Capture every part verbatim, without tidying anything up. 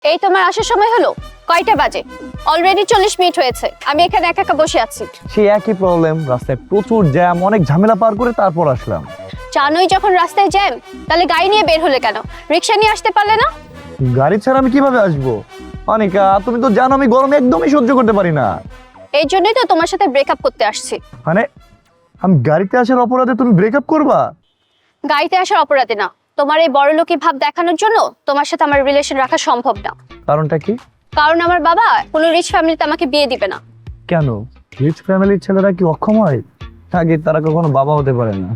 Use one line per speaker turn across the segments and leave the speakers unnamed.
এই তোমার আসার সময় হলো? কয়টা বাজে? অলরেডি চল্লিশ মিনিট হয়েছে, আমি এখানে একা একা বসে আছি।
সেই একই প্রবলেম, রাস্তায় প্রচুর জ্যাম, অনেক ঝামেলা পার করে তারপর আসলাম।
জানোই যখন রাস্তায় জ্যাম, তাহলে গাড়ি নিয়ে বের হলে কেন? রিক্সা নিয়ে আসতে পারলে না?
গাড়ি ছাড়া আমি কিভাবে আসবো? অনিকা, তুমি তো জানো আমি গরমে একদমই সহ্য করতে পারি না।
এই জন্যই তো তোমার সাথে ব্রেকআপ করতে আসছি।
মানে আমি গাড়িতে আসার অপরাধে তুমি ব্রেকআপ করবা?
গাড়িতে আসার অপরাধে না, তোমার এই বড়লোকি ভাব দেখানোর জন্য তোমার সাথে আমার রিলেশন রাখা সম্ভব না।
কারণটা কি?
কারণ আমার বাবা কোনো রিচ ফ্যামিলিতে আমাকে বিয়ে দিবে না।
কেন? রিচ ফ্যামিলির ছেলেরা কি অক্ষম হয়? আগে তারা কখনো বাবা হতে পারে না।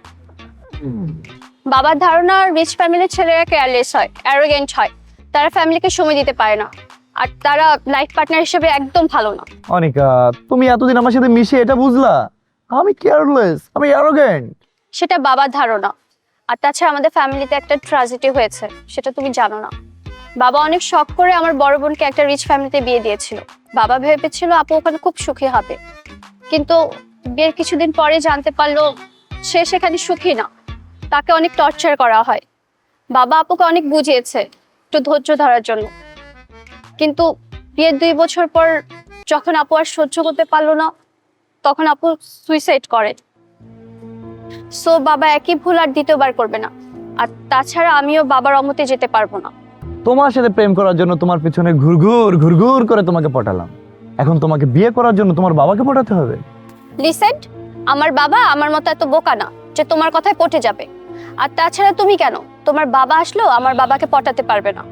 বাবার ধারণা রিচ ফ্যামিলির ছেলেরা কেয়ারলেস হয়, অ্যারোগেন্ট হয়, তারা ফ্যামিলিকে সময় দিতে পারে না, আর তারা লাইফ পার্টনার হিসেবে একদম ভালো না।
অনিকা, তুমি এতদিন আমার সাথে মিশে এটা বুঝলা আমি কেয়ারলেস, আমি অ্যারোগেন্ট?
সেটা বাবার ধারণা। আর তাছাড়া আমাদের ফ্যামিলিতে একটা ট্র্যাজেডি হয়েছে, সেটা তুমি জানো না। বাবা অনেক শখ করে আমার বড় বোনকে একটা রিচ ফ্যামিলিতে বিয়ে দিয়েছিল। বাবা ভেবেছিল আপু ওখানে খুব সুখী হবে, কিন্তু বিয়ের কিছুদিন পরে জানতে পারলো সে সেখানে সুখী না, তাকে অনেক টর্চার করা হয়। বাবা আপুকে অনেক বুঝিয়েছে একটু ধৈর্য ধরার জন্য, কিন্তু বিয়ের দুই বছর পর যখন আপু আর সহ্য করতে পারলো না, তখন আপু সুইসাইড করে। সো বাবা একই ভুল আর দ্বিতীয়বার করবে না। আর তাছাড়া আমিও বাবার অমতে যেতে পারবো না।
তোমার সাথে প্রেম করার জন্য তোমার পিছনে ঘুরঘুর ঘুরঘুর করে তোমাকে পটালাম, এখন তোমাকে বিয়ে করার জন্য তোমার বাবাকে পটাতে হবে?
লিসেন্ট, আমার বাবা আমার মতো এত বোকা না যে তোমার কথায় পটে যাবে। আর তাছাড়া তুমি কেন, তোমার বাবা আসলেও আমার বাবাকে পটাতে পারবে না।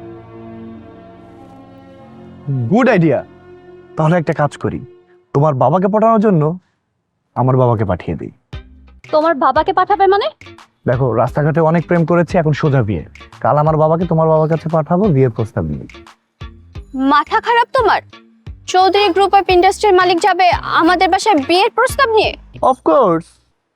Good idea. তাহলে একটা কাজ করি, তোমার বাবাকে পটানোর জন্য আমার বাবাকে পাঠিয়ে দিই।
তোমার বাবাকে পাঠাবে মানে?
দেখো, রাস্তাঘাটে অনেক প্রেম করেছে, এখন সোজা বিয়ে। কাল আমার বাবাকে তোমার বাবার কাছে পাঠাবো বিয়ের প্রস্তাব নিয়ে।
মাথা খারাপ তোমার? চৌধুরী গ্রুপ অফ ইন্ডাস্ট্রির মালিক যাবে আমাদের বাসায় বিয়ের প্রস্তাব নিয়ে?
অফকোর্স।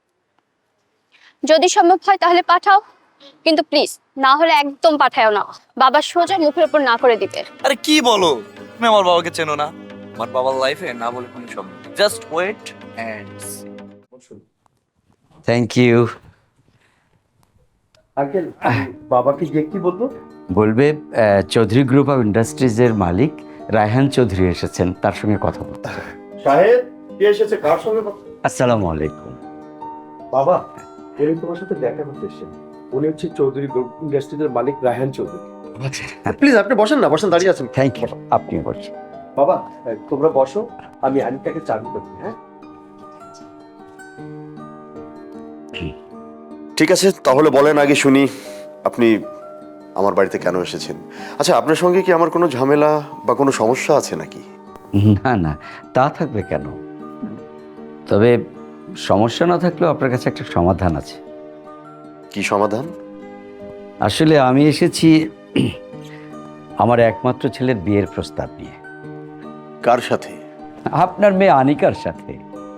যদি সম্ভব হয় তাহলে পাঠাও, কিন্তু প্লিজ না হলে একদম পাঠাও না। বাবা সোজা মুখের উপর না করে দিবে।
আরে কি বলো, তুমি আমার বাবাকে চেনো না? আমার বাবার লাইফে না বলে কোনো শব্দ। Just wait and
thank you.
Uncle, বাবাকে গিয়ে কি বলবো?
বলবে আহ, চৌধুরী গ্রুপ অফ ইন্ডাস্ট্রিজের মালিক রায়হান চৌধুরী এসেছেন, তার সঙ্গে কথা বলতে।
সাহেব, কে এসেছে? কার সঙ্গে কথা?
আসসালামু আলাইকুম।
বাবা, উনি তোমার সাথে দেখা করতে এসেছেন। উনি হচ্ছে চৌধুরী গ্রুপ ইন্ডাস্ট্রিজের মালিক রায়হান চৌধুরী। প্লিজ আপনি বসেন না, বসেন, দাঁড়িয়ে আছেন।
থ্যাংক ইউ, আপনি বলছেন।
বাবা, তোমরা বসো, আমি আনিকাকে চাবি দেবো। হ্যাঁ,
ঠিক আছে, তাহলে বলেন আগে শুনি, আপনি আমার বাড়িতে কেন এসেছেন? আচ্ছা, আপনার সঙ্গে কি আমার কোনো ঝামেলা বা কোনো সমস্যা আছে নাকি?
না না, তা থাকবে কেন? তবে সমস্যা না থাকলেও আপনার কাছে একটা সমাধান আছে।
কি সমাধান?
আসলে আমি এসেছি আমার একমাত্র ছেলের বিয়ের প্রস্তাব নিয়ে।
কার সাথে?
আপনার মেয়ে আনিকার সাথে।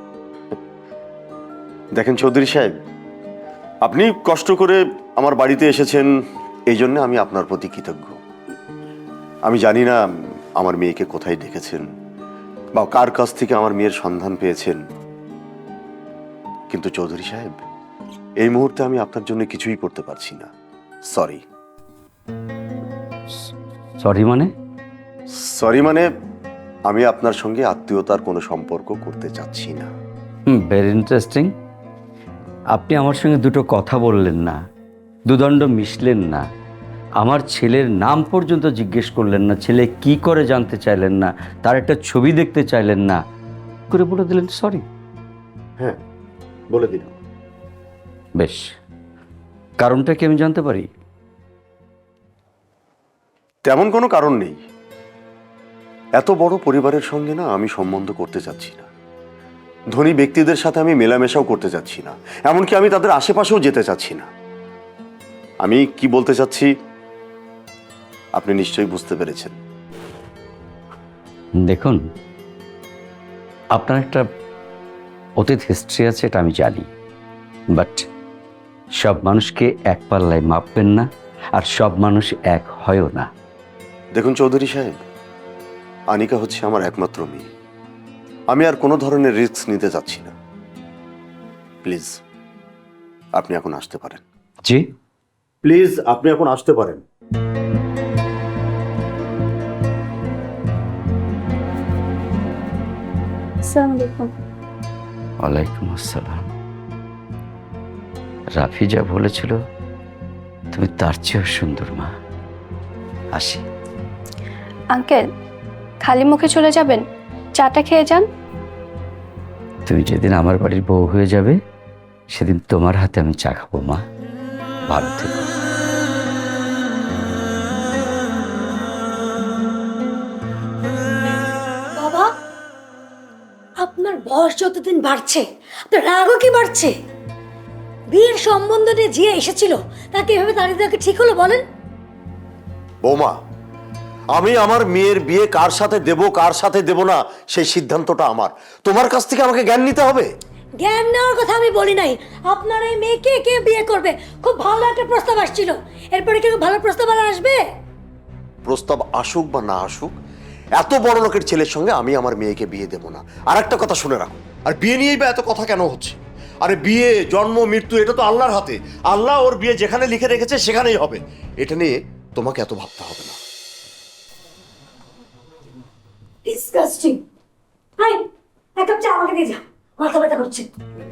দেখেন চৌধুরী সাহেব, আপনি কষ্ট করে আমার বাড়িতে এসেছেন, এই জন্য আমি আপনার প্রতি কৃতজ্ঞ। আমি জানি না আমার মেয়েকে কোথায় ডেকেছেন বা কার কাছ থেকে আমার মেয়ের সন্ধান পেয়েছেন, কিন্তু চৌধুরী সাহেব, এই মুহূর্তে আমি আপনার জন্য কিছুই করতে পারছি না। সরি।
সরি মানে?
সরি মানে আমি আপনার সঙ্গে আত্মীয়তার কোনো সম্পর্ক করতে চাচ্ছি না।
Hmm, very interesting. আপনি আমার সঙ্গে দুটো কথা বললেন না, দুদণ্ড মিশলেন না, আমার ছেলের নাম পর্যন্ত জিজ্ঞেস করলেন না, ছেলে কি করে জানতে চাইলেন না, তার একটা ছবি দেখতে চাইলেন না, করে বলে দিলেন সরি।
হ্যাঁ, বলে দিলাম।
বেশ, কারণটা কি আমি জানতে পারি?
তেমন কোনো কারণ নেই। এত বড় পরিবারের সঙ্গে না আমি সম্বন্ধ করতে চাচ্ছি না। ধনী ব্যক্তিদের সাথে আমি মেলামেশাও করতে চাচ্ছি না, এমনকি আমি তাদের আশেপাশেও যেতে চাচ্ছি না। আমি কি বলতে চাচ্ছি আপনি নিশ্চয়ই বুঝতে পেরেছেন।
দেখুন, আপনার একটা অতীত হিস্ট্রি আছে, এটা আমি জানি, বাট সব মানুষকে এক পাল্লায় মাপবেন না, আর সব মানুষ এক হয়ও না।
দেখুন চৌধুরী সাহেব, আনিকা হচ্ছে আমার একমাত্র মেয়ে। আমি আর কোনো ধরনের রিস্ক নিতে চাচ্ছি না। প্লিজ আপনি এখন আসতে পারেন।
জি,
প্লিজ আপনি এখন আসতে পারেন।
আসসালামু আলাইকুম।
ওয়ালাইকুম আসসালাম। রাফি যা বলেছিল তুমি তার চেয়েও সুন্দর মা। আসি।
আঙ্কেল, খালি মুখে চলে যাবেন? চাটা খেয়ে যান।
তুমি যেদিন আমার বাড়ির বউ হয়ে যাবে সেদিন তোমার হাতে আমি চা খাবো মা। ভালো থেকো।
বাবা, আপনার বয়স যতদিন বাড়ছে আপনার রাগও কি বাড়ছে? বিয়ের সম্বন্ধ নিয়ে যে এসেছিল তাকে এভাবে দাঁড়িয়ে দেওয়া কি ঠিক হলো বলেন?
বৌমা, আমি আমার মেয়ের বিয়ে কার সাথে দেব কার সাথে দেব না সেই সিদ্ধান্তটা আমার। তোমার কাছ থেকে আমাকে জ্ঞান নিতে হবে।
জ্ঞান নেওয়ার কথা আমি বলি নাই। আপনার এই মেয়েকে কে বিয়ে করবে? খুব ভালো একটা প্রস্তাব আসছিল, এরপরে কি ভালো প্রস্তাব আর আসবে?
প্রস্তাব আসুক বা না আসুক, এত বড় লোকের ছেলের সঙ্গে আমি আমার মেয়েকে বিয়ে দেব না। আর একটা কথা শুনে রাখো, আর বিয়ে নিয়েই বা এত কথা কেন হচ্ছে? আরে বিয়ে, জন্ম, মৃত্যু এটা তো আল্লাহর হাতে। আল্লাহ ওর বিয়ে যেখানে লিখে রেখেছে সেখানেই হবে। এটা নিয়ে তোমাকে এত ভাবতে হবে না।
ডিসগাস্টিং। হাই, এক কাপ চা আমাকে দিয়ে যা, মাথা ব্যথা করছে।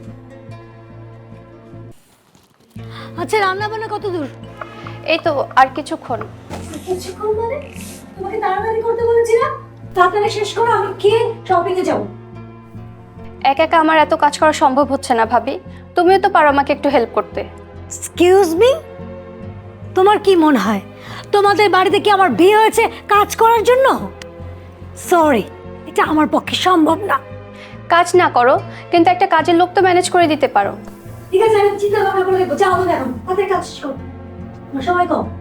আচ্ছা, রান্না বান্না কত দূর?
এই তো আর কিছুক্ষণ।
কিছুক্ষণ মানে? তোমাকে তাড়াতাড়ি করতে বলেছি না? তাড়াতাড়ি শেষ করো, আমি খেয়ে শপিং এ যাবো।
একা একা আমার এত কাজ করা সম্ভব হচ্ছে না ভাবি, তুমিও তো পারো আমাকে একটু হেল্প করতে।
এক্সকিউজ মি, তোমার কি মনে হয় তোমাদের বাড়িতে কি আমার বিয়ে হয়েছে কাজ করার জন্য? সরি, এটা আমার পক্ষে সম্ভব না।
কাজ না করো, কিন্তু একটা কাজের লোক তো ম্যানেজ করে দিতে পারো।
ঠিক আছে, আমি চিন্তা ভাবনা করে দেখবো। যাও এখন, তাদের কাজ শেষ করো, আমার সময় কম।